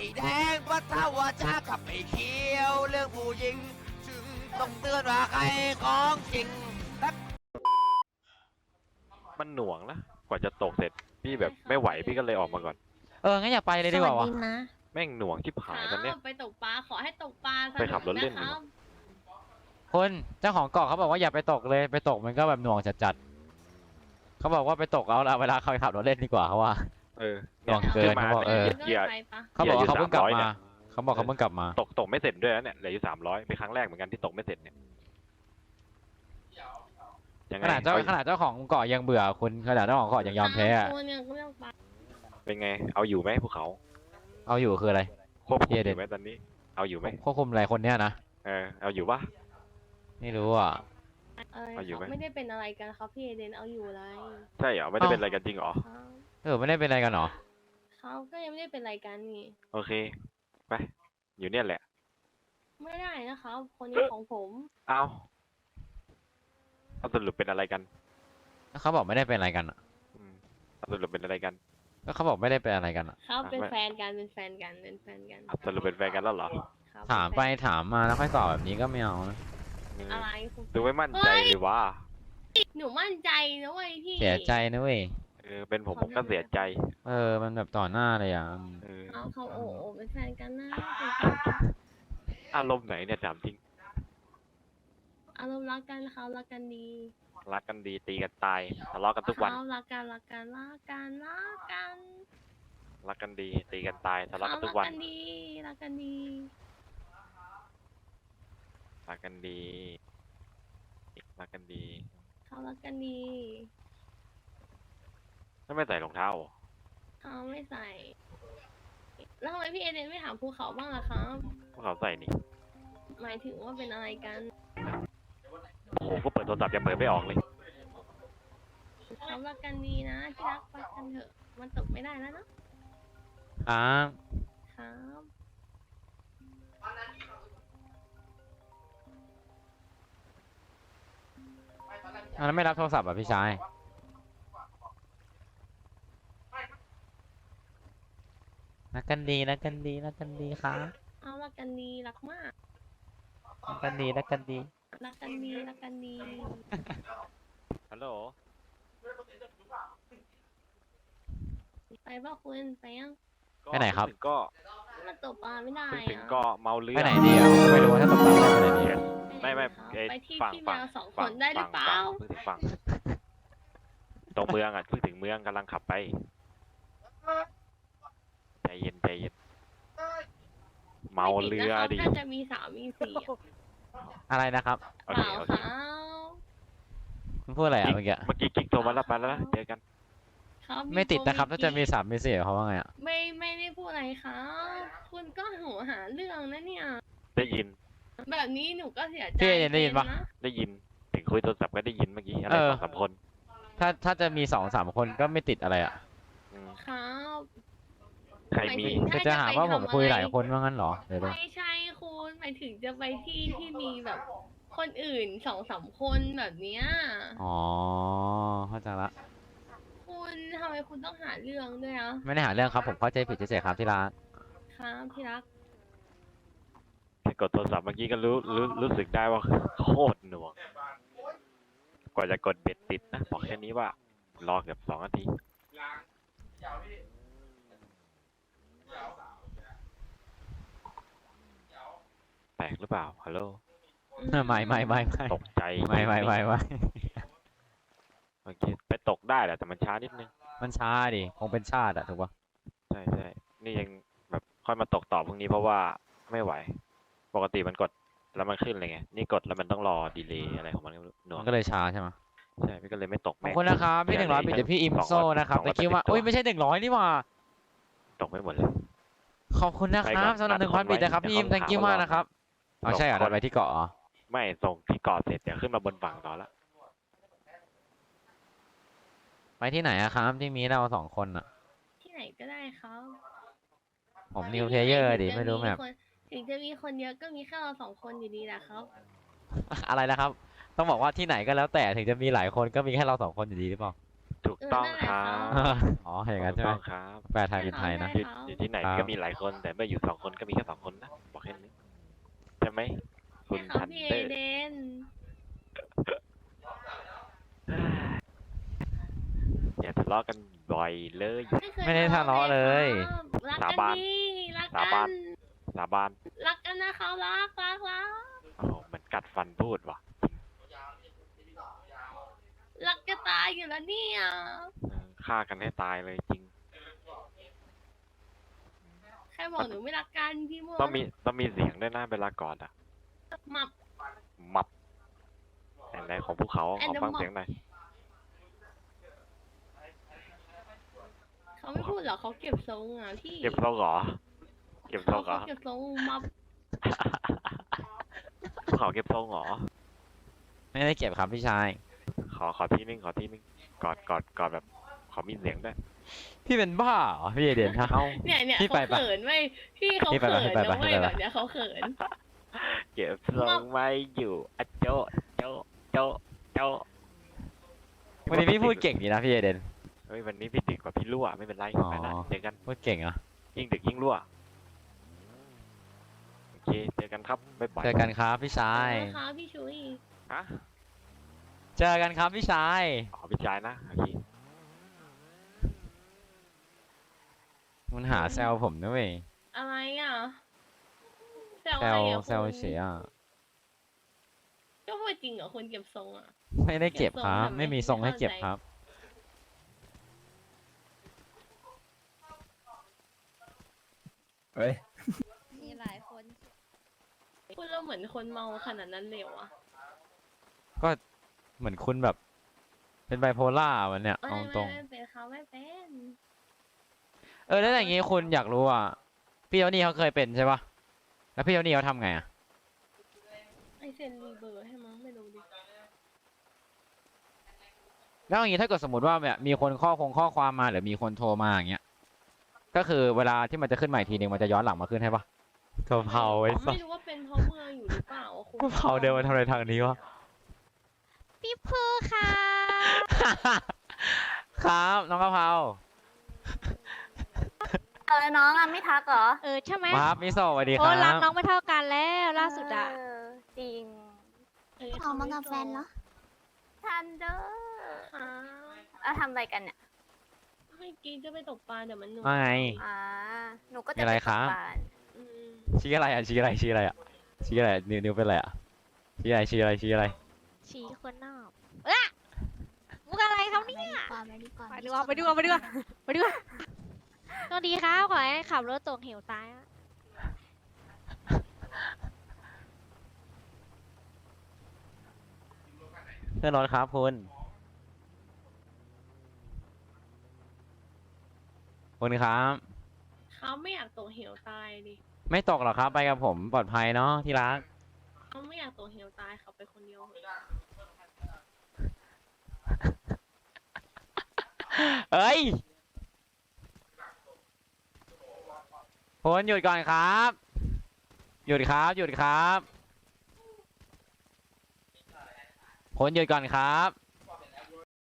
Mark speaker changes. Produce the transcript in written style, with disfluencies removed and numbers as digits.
Speaker 1: แดงเพราะถ้าว่าช้ากับไม่เขียวเรื่องผู้หญิงจึงต้องเตือนว่าใครของจริง
Speaker 2: มันหน่วงนะกว่าจะตกเสร็จพี่แบบไม่ไหวพี่ก็เลยออกมาก่อน
Speaker 3: งั้นอย่าไปเลยดีกว่าวะ
Speaker 2: แม่งหน่วงที่ผายตอนเนี้ย
Speaker 4: ไปตกปลาขอให้ตกปลา
Speaker 2: ไปขับรถเล่น
Speaker 4: สกนะครับ
Speaker 3: คนเจ้าของเกาะเขาบอกว่าอย่าไปตกเลยไปตกมันก็แบบหน่วงจัดๆเขาบอกว่าไปตกเอาละเวลาเขาขับรถเล่นดีกว่าเขาว่า หน่วงเกิน
Speaker 2: มา
Speaker 3: เขาบอก
Speaker 2: เหยียด
Speaker 4: ไปปะ
Speaker 3: เขาบอกว่าเขาเพิ่งกลับ
Speaker 2: 300เนี่
Speaker 3: มาย เขาบอกเขาเพิ่งกลับมา
Speaker 2: ตกไม่เสร็จด้วยนะเนี่ยเหลืออยู่300เป็นครั้งแรกเหมือนกันที่ตกไม่เสร็จเนี่ยยังไง
Speaker 3: ขนาดเจ้าของเกาะยังเบื่อคุณขนาดเจ้าของเกาะยังยอมแพ้อะ
Speaker 4: ตัวเนี่ยก็ไม่ต้องไป
Speaker 2: เป็นไงเอาอยู่ไหมภูเขา
Speaker 3: เอาอยู่คืออะไร
Speaker 2: ควบคุม
Speaker 3: เหี้ย
Speaker 2: อ
Speaker 3: เด็ด
Speaker 2: ยู่ไหมตอนนี้เอาอยู่ไหม
Speaker 3: ควบคุมอะไรคนเนี้ยนะ
Speaker 2: เอาอยู่ปะ
Speaker 3: ไม่รู้อ่ะ
Speaker 2: เอาอยู่ไหม
Speaker 4: ไม่ได้เป็นอะไรกันครับพี่เอเดนเอาอยู่อะไร
Speaker 2: ใช่เหรอไม่ได้เป็นอะไรกันจริงเหรอ
Speaker 3: ไม่ได้เป็นอะไรกันหรอ
Speaker 4: เขาก็ยังไม่ได้เป็นอะไรกันนี่
Speaker 2: โอเคไปอยู่เนี่ยแหละ
Speaker 4: ไม่ได้นะครับคนนี้ของผม
Speaker 2: เอาสรุปเป็นอะไรกัน
Speaker 3: เขาบอกไม่ได้เป็นอะไรกันอะ
Speaker 2: อืมเอาสรุปเป็นอะไรกัน
Speaker 3: ก็เขาบอกไม่ได้เป็นอะไรกันอะ
Speaker 4: เขาเป็น
Speaker 2: ไม่
Speaker 4: แฟนกันเป็นแฟนกันเป็นแฟนกัน
Speaker 2: เอาสรุปเป็นแฟนกันแล้วเหรอ
Speaker 4: ครับ
Speaker 3: ถามไป
Speaker 4: เป็นแฟน
Speaker 3: ถามมาแล้วค่อยตอบแบบนี้ก็ไม่เอานะ
Speaker 4: อะไรคุณ
Speaker 2: ดูไม่มั่นใจเลยว่า
Speaker 4: หนูมั่นใจนะเว้ยพี่
Speaker 3: เสียใจนะเว้ย
Speaker 2: เป็นผมก็เสียใจ
Speaker 3: มันแบบต่อหน้าเลยอ่ะ
Speaker 4: เขาโอ้เป็นแฟนกันนะ
Speaker 2: อารมณ์ไหนเนี่ยถามจริง
Speaker 4: อารมณ์รักกันเขารักกันดี
Speaker 2: รักกันดีตีกันตายทะเลาะกันทุกวัน
Speaker 4: เขารักกันรักกันรักกันรักกัน
Speaker 2: รักกันดีตีกันตายทะเลาะ
Speaker 4: เขา
Speaker 2: กันทุ
Speaker 4: รั
Speaker 2: ก
Speaker 4: ก
Speaker 2: วัน
Speaker 4: กันดีรักกันดี
Speaker 2: รักกันดีรักกันดี
Speaker 4: เขารักกันดี
Speaker 2: ไม่ใส่รองเท้าเหรอ
Speaker 4: เขาไม่ใส่ แล้วทำไมพี่เอเดนไม่ถามภูเขาบ้างล่ะครับ
Speaker 2: พวกเขาใส่นี่
Speaker 4: หมายถึงว่าเป็นอะไรกัน
Speaker 2: โอ้โหก็เปิดโทรศัพท์ยังเปิดไม่ออกเลย
Speaker 4: เขารักกันดีนะที่รักรักกันเถอะ มันตกไม่ได้แล้วเนอะ
Speaker 3: ครับ
Speaker 4: ครับ
Speaker 3: แล้วไม่รับโทรศัพท์อ่ะพี่ชายรักกันดีรักกันดีรักกันดีครับ
Speaker 4: เอารักกันดีรักมาก
Speaker 3: รักกันดีรักกันดี
Speaker 4: รักกันดีรักกันดี
Speaker 2: ฮัลโหล
Speaker 4: ไปป่ะคุณไปยัง
Speaker 3: ไปไหนครับ
Speaker 2: ถึงก็
Speaker 4: มันตกปลาไม่ได้
Speaker 2: ถึงก็เมาเรือ
Speaker 3: ไปไหนดีอ่ะไม่รู้ว่าถ้าตกปลาได้ไปไหนดี
Speaker 2: ไม่
Speaker 4: ไปที่
Speaker 2: ฝั่ง
Speaker 4: ที่แม
Speaker 2: ฝั่ง
Speaker 4: วสองคนได้หรือเปล่า
Speaker 2: เพิ่งถึงฝั่งตรงเมืองอ่ะเพิ่งถึงเมืองกำลังขับไปใจเย็นใจเย็นเมาเรือดิ
Speaker 4: น่าจะมีสามมีสี่อะ
Speaker 3: อะไรนะครับ
Speaker 2: โอ
Speaker 4: เป
Speaker 2: เค
Speaker 4: ล่า
Speaker 2: โอ
Speaker 4: ค
Speaker 2: เค
Speaker 4: รับ
Speaker 3: คุณพูดอะไรอ่ะเมื่อกี้
Speaker 2: เมื่อกี้กิ๊กโทรมาแล้วไปแล้วนะเจอกัน
Speaker 4: ครับ
Speaker 3: ไม่ติดนะครับ ถ้าจะมี
Speaker 4: กิ๊ก
Speaker 3: สามมีสี่เขาว่าไงอ่ะ
Speaker 4: ไม่ได้พูดอะไรครับ คุณก็หาเรื่องนะเนี่ย
Speaker 2: ได้ยิน
Speaker 4: แบบนี้หนูก็เสียใจ
Speaker 3: พี่เอเดนได้ยินปะ
Speaker 4: เป็
Speaker 2: ได้ยินถึงคุยโทรศัพท์ก็ได้ยินเมื่อกี้อะไร
Speaker 3: เออ
Speaker 2: 2-3 คน
Speaker 3: ถ้าจะมี2-3 คนก็ไม่ติดอะไรอ่ะ
Speaker 2: อืม
Speaker 4: ครับ
Speaker 2: ใครมี
Speaker 4: หมายถึง
Speaker 3: จะหาว่าผมคุยหลายคนว่างั้นเหรอเดี๋ยวดู
Speaker 4: ไม่ใช่คุณหมายถึงจะไปที่ที่มีแบบคนอื่นสองสามคนแบบเนี้ย
Speaker 3: อ๋อเข้าใจละ
Speaker 4: คุณทำไมคุณต้องหาเรื่องด้วยอ่ะ
Speaker 3: ไม่ได้หาเรื่องครับผมเข้าใจผิดเฉยๆครับที่รัก
Speaker 4: ครับที่รัก
Speaker 2: แค่กดโทรศัพท์เมื่อกี้ก็รู้สึกได้ว่าโคตรหน่วงกว่าจะกดเบ็ดติดนะบอกแค่นี้ว่ารอเกือบ2 นาทีแตกหรือเปล่าฮัลโหล
Speaker 3: ไม่
Speaker 2: ตกใจ
Speaker 3: ไม่
Speaker 2: โอเคไปตกได้แหละแต่มันช้านิดนึง
Speaker 3: มันช้าดิคงเป็นชาติอะถูกปะ
Speaker 2: ใช่ใช่นี่ยังแบบค่อยมาตกต่อพรุ่งนี้เพราะว่าไม่ไหว ปกติมันกดแล้วมันขึ้นเลยไงนี่กดแล้วมันต้องรอดีเลย์อะไรของมันก็ไม่รู้หน่ว
Speaker 3: มั
Speaker 2: ง
Speaker 3: นก็เลยช้าใช่ไหม
Speaker 2: ใช่พี่ก็เลยไม่ตก
Speaker 3: ขอบ
Speaker 2: แม่ง
Speaker 3: คุณนะครับพี่100ปิดเดี๋ยวพี่อิมโซนะครับแต่คิดว่าอุ้ยไม่ใช่100นี่หว่า
Speaker 2: ตกไม่หมดเลย
Speaker 3: ขอบคุณนะครับสำหรับ1,000ปิดนะครับพี่อิม thank you มากนะครับอ๋อใช่เหรอเดินไปที่เกาะเหรอ
Speaker 2: ไม่ส่งที่เกาะเสร็จเดี๋ยวขึ้นมาบนฝั่งต่อละ
Speaker 3: ไปที่ไหนอะครับที่มีเรา2 คนอะ
Speaker 4: ที่ไหนก็ได้ครับ
Speaker 3: ผมนิวเพลเยอร์ดิไม่รู้แบบ
Speaker 4: ถึงจะมีคนเยอะก็มีแค่เราสองคนอยู่ดีแหละครับ
Speaker 3: อะไรนะครับ ต้องบอกว่าที่ไหนก็แล้วแต่ถึงจะมีหลายคนก็มีแค่เรา2 คนอยู่ดีหรือเปล่า
Speaker 2: ถูกต้องครับ
Speaker 3: อ๋ออย่างนั้น
Speaker 2: ถู
Speaker 3: ใช่
Speaker 2: ก
Speaker 3: ไหม
Speaker 2: ต้องครับ
Speaker 3: แปลไทยเป็นไทยนะ
Speaker 2: อยู่ที่ไหน
Speaker 3: ครับ
Speaker 2: ก็มีหลายคนแต่เมื่ออยู่2 คนก็มีแค่2 คนนะบอกแค่นี้ใช่ไหมคุณ
Speaker 4: ใช่ครั
Speaker 2: ทั
Speaker 4: บ
Speaker 2: น
Speaker 4: พี่
Speaker 2: เดอ
Speaker 4: เอ
Speaker 2: ร์
Speaker 4: เดน
Speaker 2: อย่าทะเลาะกันบ่อยเลย
Speaker 3: ไม่ได้ทะเลาะเลย
Speaker 4: รัก
Speaker 2: สา
Speaker 4: กัน
Speaker 2: บาน
Speaker 4: ดีรัก
Speaker 2: สา
Speaker 4: กับ
Speaker 2: าน
Speaker 4: น
Speaker 2: สาบาน
Speaker 4: รักกันนะคะรัก
Speaker 2: โอ้โหเหมือนกัดฟันพูดว่ะ
Speaker 4: รักจะตายอยู่แล้วเนี่ย
Speaker 2: ฆ่ากันให้ตายเลยจริง
Speaker 4: ใครบอกหนูไม่รักกันพี่มด
Speaker 2: ต้องมีเสียงด้วยนะเวลากอดอ่ะ
Speaker 4: หมับ
Speaker 2: มับไหนๆของภูเขาขอ
Speaker 4: And the
Speaker 2: ฟัง
Speaker 4: mob
Speaker 2: เสียงหน่อย
Speaker 4: เขาไม่พูดหรอกเขาเก็บทรงอ่ะพี่
Speaker 2: เก็บทรงเหรอ เก็บทรงเหรอ
Speaker 4: เขาเก็บทรงมับ
Speaker 2: ภูเขาเก็บทรงเหรอ
Speaker 3: ไม่ได้เก็บครับพี่ชาย
Speaker 2: ขอที่นึงกอดแบบขอมีเสียงด้วย
Speaker 3: พี่เป็นบ้าเหรอพี่เอเดนฮะ
Speaker 4: เนี่ย
Speaker 3: พี่
Speaker 4: เขา
Speaker 3: ไปปะ
Speaker 4: เขินไว้ยพี่เขา
Speaker 3: พี่ไป
Speaker 4: เขิ
Speaker 3: ปะ
Speaker 4: น
Speaker 3: พี่ไป
Speaker 4: นะ
Speaker 3: ปะ
Speaker 4: เว้ย
Speaker 3: พี่ไปปะ
Speaker 4: แบบเนี้ยเขาเขิน
Speaker 2: เก็บทรงไม่อยู่อะโจะโจะโจะโจะ
Speaker 3: วันนี้พี่พูดเก่งดีนะพี่เอเดน
Speaker 2: เฮ้ยวันนี้พี่ดึกกว่าพี่รั่วไม่เป็นไร
Speaker 3: อ๋อ
Speaker 2: ไปละเจอกัน
Speaker 3: พูดเก่งเหรอ
Speaker 2: ยิ่งดึกยิ่งรั่วโอเคเจอกันครับบ๊ายบาย
Speaker 3: เจอกันครับพี่ชาย
Speaker 4: นะคะพี่ชุย
Speaker 2: ฮะ
Speaker 3: เจอกันครับพี่ชาย
Speaker 2: อ๋อพี่ชายนะโอเค
Speaker 3: มันหาแซวผมนะเว้ย
Speaker 4: อะไรอ่ะแซว
Speaker 3: แซ
Speaker 4: อะไร
Speaker 3: ว
Speaker 4: อ่ะ
Speaker 3: แซวเฉยอ่ะ
Speaker 4: ก็พูดจริงเหรอคนเก็บทรงอ่ะ
Speaker 3: ไม่ได้เก็บครับ
Speaker 4: เก็บทรงทำไม
Speaker 3: ไม่มีทรงให้
Speaker 4: ไม่เข้า
Speaker 3: เก็บ
Speaker 4: ใจ
Speaker 3: ครับ
Speaker 5: เฮ้ย
Speaker 6: มีหลายคน
Speaker 4: พูดแล้วเหมือนคนเมาขนาดนั้นเลยเหรอวะ
Speaker 3: ก็เหมือนคุณแบบ เป็นไบโพล่าวันเนี้ย
Speaker 4: ไม่
Speaker 3: เอา
Speaker 4: ไม่
Speaker 3: ตรง
Speaker 4: ไม่เป็นเขาไม่เป็น
Speaker 3: แล้วอย่างงี้คุณอยากรู้อ่ะ พี่เจ้านี่เขาเคยเป็นใช่ปะแล้วพี่เจ้านี่เขาทำไงอ่ะ
Speaker 4: ไอเซนรีเบอร์ให้มั้งไม่รู้ดิ
Speaker 3: แล้วอย่างงี้ถ้าเกิดสมมติว่าแบบมีคนข้อความมาหรือมีคนโทรมาอย่างเงี้ย ก็คือเวลาที่มันจะขึ้นใหม่ทีนึงมันจะย้อนหลังมาขึ้นให้ปะกะเพราไอ้สั
Speaker 4: ไม่
Speaker 3: ส
Speaker 4: รู้ว่าเป็นเพราะเมืองอยู่หรือเปล่าอะคุณ
Speaker 3: กะเพราเดินมาทำอะไรทางนี้วะ
Speaker 6: พี่พูค่ะ
Speaker 3: ครับน้องกะเพรา
Speaker 7: แล้วน้องอ่ะไม่ทักเหรอ
Speaker 6: ใช่ไหม
Speaker 3: ครับมิโซะสวัสดีค
Speaker 6: โอ้
Speaker 3: รั
Speaker 6: รัก
Speaker 3: บ
Speaker 6: น้องไม่เท่ากันแล้วล่าสุดอะ
Speaker 7: เจริง
Speaker 4: เขามากับแฟนเหรอ
Speaker 7: ทันเดอร์
Speaker 4: ค่ะ
Speaker 7: ทำอะไรกันเนี่ย
Speaker 4: เมื่อกี้จะไปตกปลาแต่มันหนุ
Speaker 3: ว่าไง
Speaker 7: อ่า หนูก็
Speaker 3: มี
Speaker 7: จะ
Speaker 3: อะไร
Speaker 7: ปตก
Speaker 3: ครับ
Speaker 7: ปลา
Speaker 4: อืม
Speaker 3: ชี้อะไรอ่ะชี้อะไรชี้อะไรอ่ะชี้อะไรนิ้วเป็นอะไรอ่ะชี้อะไรชี้อะไรชี้อะไร
Speaker 6: ฉีคนนอกมุกอะไรครับเนี่ยไปดีกว่าต้องดีครับขอให้ขับรถตกเหวตายอะ
Speaker 3: เพื่อนรถครับคุณครับ
Speaker 4: เขาไม่อยากตกเหวตายดิ
Speaker 3: ไม่ตกหรอกครับไปกับผมปลอดภัยเนาะที่รัก
Speaker 4: เขาไม่อยากตกเหวตายเขาไปคนเดียวเหอะ
Speaker 3: เอ้ยคุณหยุดก่อนครับ หยุดครับหยุดครับคุณหยุดก่อนครับ